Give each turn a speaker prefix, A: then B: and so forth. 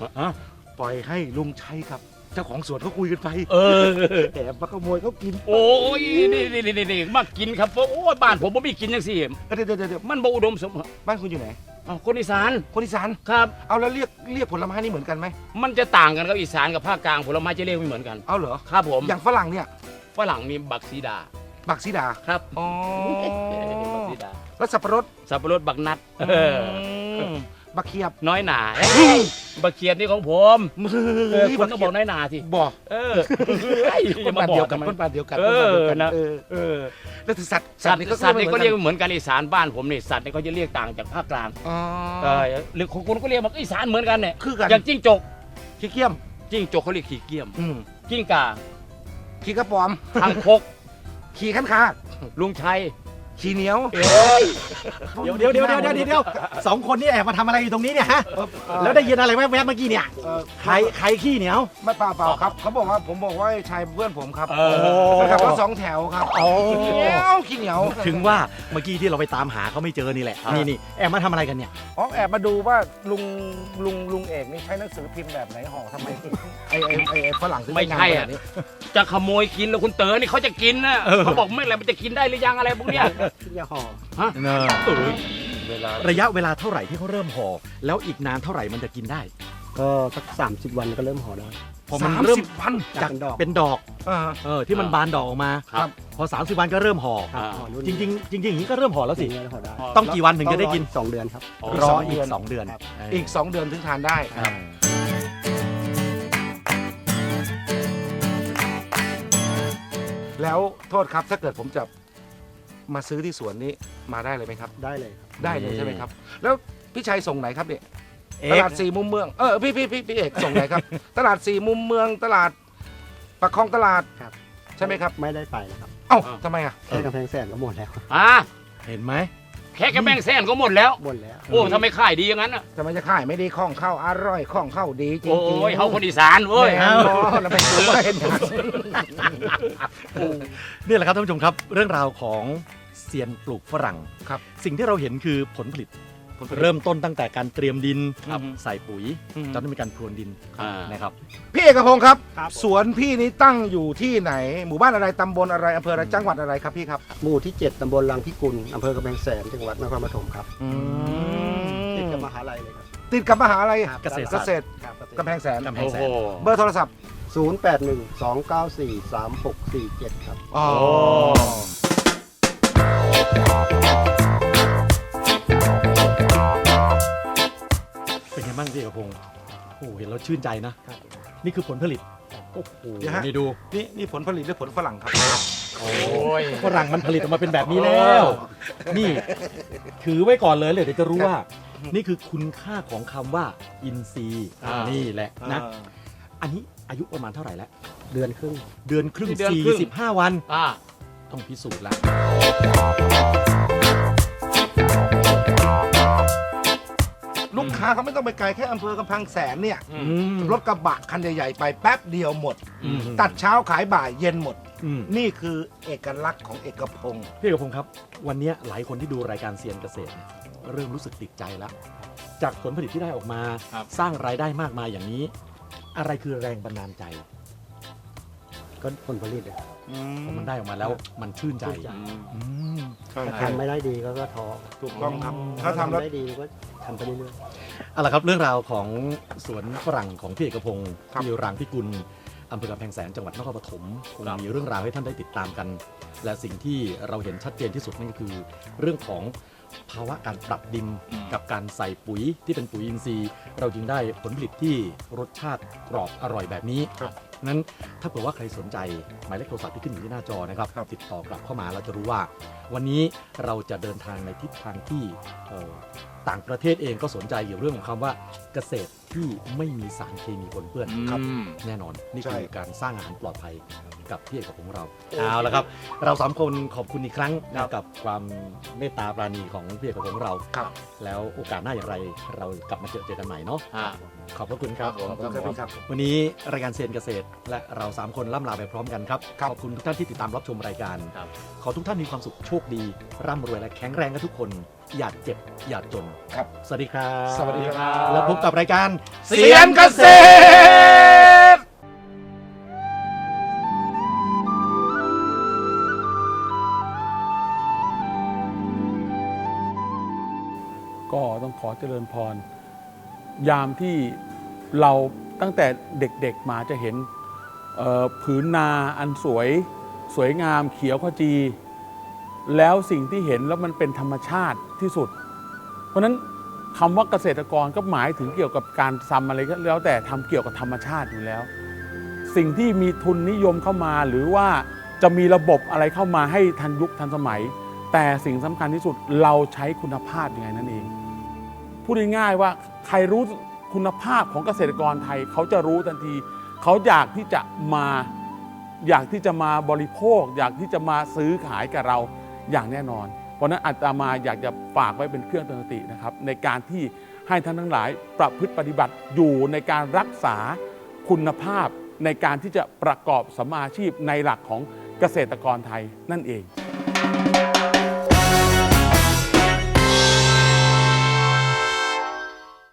A: ปล่อยให้ลุงชัยกับเจ้าของสวนเขาคุยกันไปแอบมาขโมยเขากิน
B: โอ้ยนี่มากินครับโอ้ยบ้านผมบ่มีกินจังซี่
A: เดี๋ยว
B: มันบ่อุดมสม
A: บ้านคุณอยู่ไหน
B: คนอีสานครับ
A: เอาแล้วเรียกผลไม้นี่เหมือนกันไหม
B: มันจะต่างกันครับอีสานกับภาคกลางผลไม้จะเรียกไม่เหมือนกัน
A: เอาเหรอ
B: ครับผม
A: อย่างฝรั่งเนี่ย
B: ฝรั่งมีบักซีดา
A: ครับอ๋อ
B: บักซีดา
A: แล้วสับปะรด
B: บักนัด
A: บักเขียบ
B: น้อยหนาบักเขียบนี่ของผมคุณต้องบอกน้อยหนาสิ
A: บอก
B: คนบ้านเดียวกัน
A: นะแล้วสัตว์
B: นี่ก็เรียกเหมือนกันอีสานบ้านผมนี่สัตว์นี่เขาจะเรียกต่างจากภาคกลางหรือของคุณก็เรียกว่าอีสานเหมือนกันเนี่ยอย่างจิ้งจก
A: ขี้เกียม
B: จิ้งจกเขาเรียกขี้เกียมจิ้งก่า
A: ขี้กระป๋อม
B: ทางคก
A: ขี้ขันคา
B: ลุงชัย
A: ขี้เหนียว
C: เดี๋ยวสองคนนี่แอบมาทำอะไรอยู่ตรงนี้เนี่ยฮะแล้วได้ยินอะไรแวบๆเมื่อกี้เนี่ยใครขี้เหนียว
A: ไม่เปล่าครับเขาบอกว่าผมบอกว่าชายเพื่อนผมครับขับรถ2 แถวครับขี้เหนียว
C: ถึงว่าเมื่อกี้ที่เราไปตามหาเขาไม่เจอนี่แหละนี่แอบมาทำอะไรกันเนี่ย
A: แอบมาดูว่าลุงเอกนี่ใช้หนังสือพิมพ์แบบไหนห่อทำไมไอ้ฝรั่ง
B: ไม่ใช่อ่ะจะขโมยกินแล้วคุณเต๋อนี่เขาจะกินนะเขาบอกไม่อะไรมันจะกินได้หรือยังอะไรพวกเนี้ย
C: อย่าห่อ
B: ระ
C: ยะเวลาเท่าไหร่ที่เขาเริ่มห่อแล้วอีกนานเท่าไหร่มันจะกินได้
D: ก็สัก30 วันก็เริ่มห่อได้
C: พอมันเริ่มจากเป็นดอกที่มันบานดอกออกมาพอ30 วันก็เริ่มห่อจริงอย่างนี้ก็เริ่มห่อแล้วสิต้องกี่วันถึงจะได้กิน
D: 2 เดือนครับ
C: รออีก2 เดือน
A: อีก2 เดือนถึงทานได้แล้วโทษครับถ้าเกิดผมจะมาซื้อที่สวนนี้มาได้เลยไหมครับ
D: ได้เลยครับ
A: ได้เลยใช่ไหมครับแล้วพี่ชัยส่งไหนครับเนี่ยตลาด4 มุมเมืองพี่เอกส่งไหนครับตลาด4 มุมเมืองตลาดปากคลองตลาดใช่ไหมครับ
D: ไม่ได้ไปนะครับ
A: ทำไม
D: แค่กำแพงแสนก็หมดแล้ว
C: เห็นไหม
B: แค่กำแพงแสนก็หมดแล้วโอ้ทำไมขายดีอย่างนั้นอ่ะ
A: ทำไมจะขายไม่ดีข้องเข้าอร่อยข้องเข้าดีจริง
B: โอ้ยเขาคนอีสานเว้ย
A: เราไปดูว่าเห็น
C: นี่แหละครับท่านผู้ชมครับเรื่องราวของเซียนปลูกฝรั่ง
A: ครับ
C: สิ่งที่เราเห็นคือผลผลิตเริ่มต้นตั้งแต่การเตรียมดินใส่ปุ๋ยจนต้องมีการพรวนดินนะครับ
A: พี่เอกพงศ์ครับสวนพี่นี้ตั้งอยู่ที่ไหนหมู่บ้านอะไรตำบลอะไรอำเภออะไรจังหวัดอะไรครับพี่ครับ
D: หมู่ที่7ตำบลรังพิกุลอำเภอกำแพงแสนจังหวัดนครปฐมครับติดกับมหาลัยเลยครับ
A: ติดกับมหาลัย
C: เกษตร
A: กำแพงแสนเบ
D: อ
A: ร์โทรศัพท์
D: 0812943647ครับ
C: เป็นไงบ้างพี่เอกพงศ์โอ้เห็นแล้วชื่นใจนะนี่คือผลผลิตโอ้โหนี่ดู
A: นี่ผลผลิตหรือผลฝรั่งครับ
C: โอ้ยฝรั่งมันผลิตออกมาเป็นแบบนี้แล้วนี่ถือไว้ก่อนเลยเดี๋ยวจะรู้ว่านี่คือคุณค่าของคำว่าอินทรีย์นี่แหละนะอันนี้อายุประมาณเท่าไหร่แล้ว
D: เดือนครึ่ง
C: 45 วันต้องพิสูจน์แล้ว
A: ลูกค้าเขาไม่ต้องไปไกลแค่อำเภอกำแพงแสนเนี่ยรถกระบะคันใหญ่ๆไปแป๊บเดียวหมดตัดเช้าขายบ่ายเย็นหมดนี่คือเอกลักษณ์ของเอกพงศ์
C: พี่เอกพงศ์ครับวันนี้หลายคนที่ดูรายการเซียนเกษตรเริ่มรู้สึกติดใจแล้วจากผลผลิตที่ได้ออกมาสร้างรายได้มากมายอย่างนี้อะไรคือแรงบันดาลใจ
D: ก็ผลผลิต
C: มันได้ออกมาแล้วมันชื่นใจ
D: ถ้าทำไม่ได้ดีก็ท้อ
A: ถูกต้องครับ
D: ถ้าทำได้ดีก็ทำไปเรื่อย
C: ๆเอาละครับเรื่องราวของสวนฝรั่งของพี่เอกพงศ์ที่รังพิกุลอำเภอกำแพงแสนจังหวัดนครปฐมคงมีเรื่องราวให้ท่านได้ติดตามกันและสิ่งที่เราเห็นชัดเจนที่สุดนั่นก็คือเรื่องของภาวะการปรับดินกับการใส่ปุ๋ยที่เป็นปุ๋ยอินทรีย์เราจึงได้ผลผลิตที่รสชาติกรอบอร่อยแบบนี้นั้นถ้าเผื่อว่าใครสนใจหมายเลขโทรศัพท์ที่ขึ้นอยู่ที่หน้าจอนะครับติดต่อกลับเข้ามาเราจะรู้ว่าวันนี้เราจะเดินทางในทิศทางที่ต่างประเทศเองก็สนใจเกี่ยวเรื่องของคำว่าเกษตรที่ไม่มีสารเคมีปนเปื้อนครับแน่นอนนี่คือการสร้างอาหารปลอดภัยกับพี่เอกของเราเอาละครับเรา3 คนขอบคุณอีกครั้งกับความเมตตาปราณีของพี่เอกของเราแล้วโอกาสหน้าอย่างไรเรากลับมาเจอกันใหม่เนาะขอบพระคุณครับวันนี้รายการเซียนเกษตรและเรา3 คนล่ำลาไปพร้อมกันครับขอบคุณทุกท่านที่ติดตามรับชมรายการขอทุกท่านมีความสุขโชคดีร่ำรวยและแข็งแรงกันทุกคนอย่าเจ็บอย่าจน
A: ครับ
C: สวัสดีครับ
A: สวัสดีครับ
C: แล้วพบกับรายการ
A: เสียงเกษตร
E: ก็ต้องขอเจริญพร ยามที่เราตั้งแต่เด็กๆมาจะเห็นผืนนาอันสวยงามเขียวขจี แล้วสิ่งที่เห็นแล้วมันเป็นธรรมชาติที่สุด เพราะฉะนั้นคำว่าเกษตรกรก็หมายถึงเกี่ยวกับการทำอะไรก็แล้วแต่ทำเกี่ยวกับธรรมชาติอยู่แล้ว สิ่งที่มีทุนนิยมเข้ามาหรือว่าจะมีระบบอะไรเข้ามาให้ทันยุคทันสมัย แต่สิ่งสำคัญที่สุดเราใช้คุณภาพยังไงนั่นเอง พูดง่ายๆว่าใครรู้คุณภาพของเกษตรกรไทยเขาจะรู้ทันที เขาอยากที่จะมาบริโภค อยากที่จะมาซื้อขายกับเราอย่างแน่นอน เพราะฉะนั้นอาตมาอยากจะฝากไว้เป็นเครื่องเตือนสตินะครับในการที่ให้ท่านทั้งหลายประพฤติปฏิบัติอยู่ในการรักษาคุณภาพในการที่จะประกอบสัมมาอาชีพในหลักของเกษตรกรไทยนั่นเอง